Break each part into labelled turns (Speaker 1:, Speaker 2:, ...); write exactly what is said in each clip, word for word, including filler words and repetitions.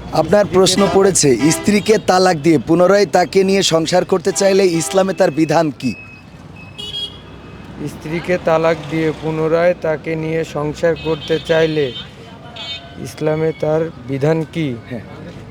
Speaker 1: আপনার প্রশ্ন পড়েছে, স্ত্রীকে তালাক দিয়ে পুনরায় তাকে নিয়ে সংসার করতে চাইলে ইসলামে তার বিধান কি?
Speaker 2: স্ত্রীকে তালাক দিয়ে পুনরায় তাকে নিয়ে সংসার করতে চাইলে ইসলামে তার বিধান কি?
Speaker 1: হ্যাঁ।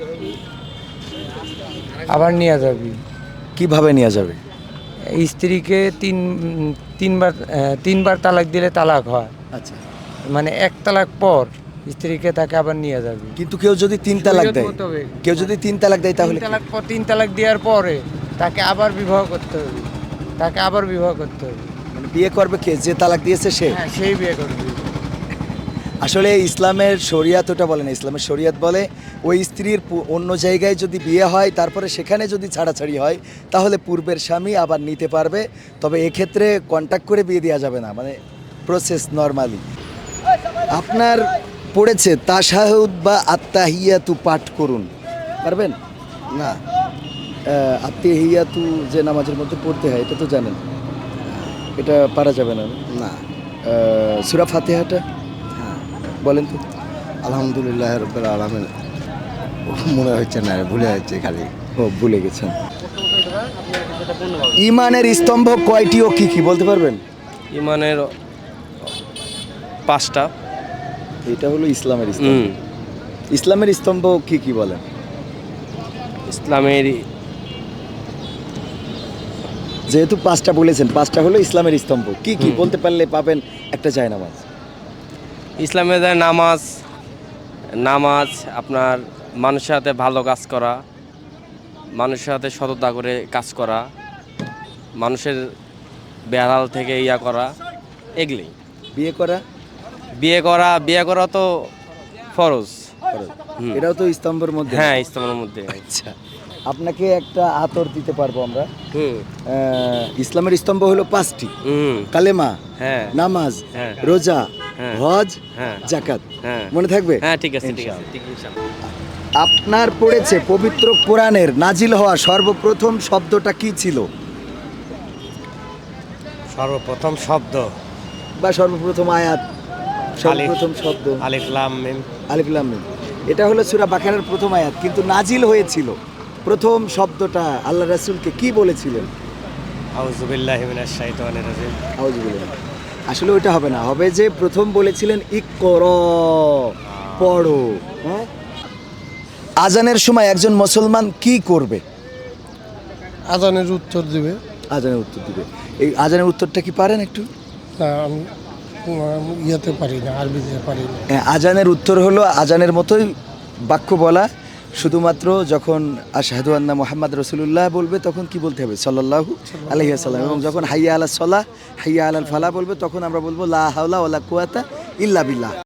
Speaker 2: আবার নেওয়া যাবে।
Speaker 1: কিভাবে নেওয়া যাবে?
Speaker 2: স্ত্রীকে তিন তিনবার আহ, তিনবার তালাক দিলে তালাক হয়,
Speaker 1: আচ্ছা,
Speaker 2: মানে এক তালাক পর স্ত্রীকে তাকে আবার নিয়ে যাবে।
Speaker 1: কিন্তু কেউ যদি তিন তালাক
Speaker 2: শরীয়ত
Speaker 1: দেয়,
Speaker 2: মোতাবেক।
Speaker 1: কেউ যদি তিন তালাক দেয় তাহলে
Speaker 2: তিন
Speaker 1: কি?
Speaker 2: তালাক পর তিন তালাক দেওয়ার পরে তাকে আবার বিবাহ করতে হবে, তাকে আবার বিবাহ করতে হবে।
Speaker 1: মানে বিয়ে করবে কে? যে তালাক দিয়েছে সে?
Speaker 2: হ্যাঁ, সেই বিয়ে করবে।
Speaker 1: আসলে ইসলামের শরিয়াত ওটা বলে না, ইসলামের শরিয়াত বলে ওই স্ত্রীর পু- অন্য জায়গায় যদি বিয়ে হয় তারপরে সেখানে যদি ছাড়াছাড়ি হয় তাহলে পূর্বের স্বামী আবার নিতে পারবে, তবে এক্ষেত্রে কন্ট্যাক্ট করে বিয়ে দেওয়া যাবে না, মানে প্রসেস নরমালি। আপনার পড়েছে তাশাহুদ বা আত্তাহিয়াতু পাঠ করুন, পারবেন?
Speaker 3: না।
Speaker 1: আহ, আত্তাহিয়াতু যে নামাজের মধ্যে পড়তে হয় এটা তো জানেন, এটা পারা যাবে না।
Speaker 3: না।
Speaker 1: আহ, সূরা ফাতিহাটা
Speaker 3: হ্যাঁ।
Speaker 1: বলেন তো।
Speaker 3: আলহামদুলিল্লাহ রব্বিল আলামিন মনে হচ্ছে না, ভুলে যাচ্ছে খালি।
Speaker 1: ও, ভুলে গেছেন। ইমানের স্তম্ভ কয়টি ও কি কি বলতে পারবেন?
Speaker 4: ইমানের পাঁচটা।
Speaker 1: এটা হলো ইসলামের স্তম্ভ।
Speaker 4: হুম।
Speaker 1: ইসলামের স্তম্ভ কি কি বলেন?
Speaker 4: ইসলামের
Speaker 1: যেহেতু পাঁচটা বলেছেন, পাঁচটা হলো ইসলামের স্তম্ভ। কি কি
Speaker 4: হুম।
Speaker 1: বলতে পারলে পাবেন একটা জায়নামাজ।
Speaker 4: ইসলামের যে নামাজ নামাজ আপনার মানুষের সাথে ভালো কাজ করা, মানুষের সাথে সততা করে কাজ করা, মানুষের বেহাল থেকে ইয়া করা, এগুলি।
Speaker 1: বিয়ে করা,
Speaker 4: বিয়ে করা বিয়ে করা তো ফরজ।
Speaker 1: ফরজ।
Speaker 4: হুম।
Speaker 1: এটাও তো স্তম্ভের মধ্যে।
Speaker 4: হ্যাঁ, ইসলামের মধ্যে।
Speaker 1: আচ্ছা, আপনাকে একটা আতর দিতে পারবো আমরা।
Speaker 4: হুম
Speaker 1: আহ, ইসলামের স্তম্ভ হলো পাঁচটি:
Speaker 4: হুম
Speaker 1: কালেমা,
Speaker 4: হ্যাঁ
Speaker 1: নামাজ,
Speaker 4: হ্যাঁ
Speaker 1: রোজা,
Speaker 4: হ্যাঁ।
Speaker 1: হজ,
Speaker 4: হ্যাঁ
Speaker 1: জাকাত।
Speaker 4: হ্যাঁ
Speaker 1: মনে থাকবে?
Speaker 4: হ্যাঁ, ঠিক আছে ঠিক আছে
Speaker 1: ইনশাআল্লাহ।
Speaker 4: ঠিক ইনশাআল্লাহ।
Speaker 1: আপনার পড়েছে পবিত্র কোরআনের নাজিল হওয়া সর্বপ্রথম শব্দটা কি ছিল?
Speaker 5: সর্বপ্রথম শব্দ
Speaker 1: বা সর্বপ্রথম আয়াত, সর্বপ্রথম শব্দ?
Speaker 5: আলিফ লাম মিম।
Speaker 1: আলিফ লাম মিম। এটা হলো সূরা বাকারার প্রথম আয়াত, কিন্তু নাজিল হয়েছিল প্রথম শব্দটা আল্লাহ রাসূলকে কি বলেছিলেন?
Speaker 5: আউযু বিল্লাহি মিনাশ শাইতানির রাজিম।
Speaker 1: আউযুবিল্লাহ। আসলে ওইটা হবে না, হবে যে প্রথম বলেছিলেন ইকরা, পড়ো। হ্যাঁ। আজানের সময় একজন মুসলমান কি করবে?
Speaker 6: আজানের উত্তর দিবে।
Speaker 1: আজানের উত্তর দিবে। এই আজানের উত্তরটা কি পারেন একটু?
Speaker 6: না, আমি আমি ইয়েতে পারি না, আরবিতে পারি না।
Speaker 1: হ্যাঁ, আজানের উত্তর হলো আজানের মতোই বাক্য বলা, শুধুমাত্র যখন আশহাদু আন্না মুহাম্মদ রাসূলুল্লাহ বলবে তখন কি বলতে হবে? সাল্লাল্লাহু আলাইহি ওয়াসাল্লাম। এবং যখন হাইয়া আলাস সালাহ, হাইয়া আলাল ফালাহ বলবে তখন আমরা বলবো লা হাওলা ওয়ালা কুওয়াতা ইল্লা বিল্লাহ।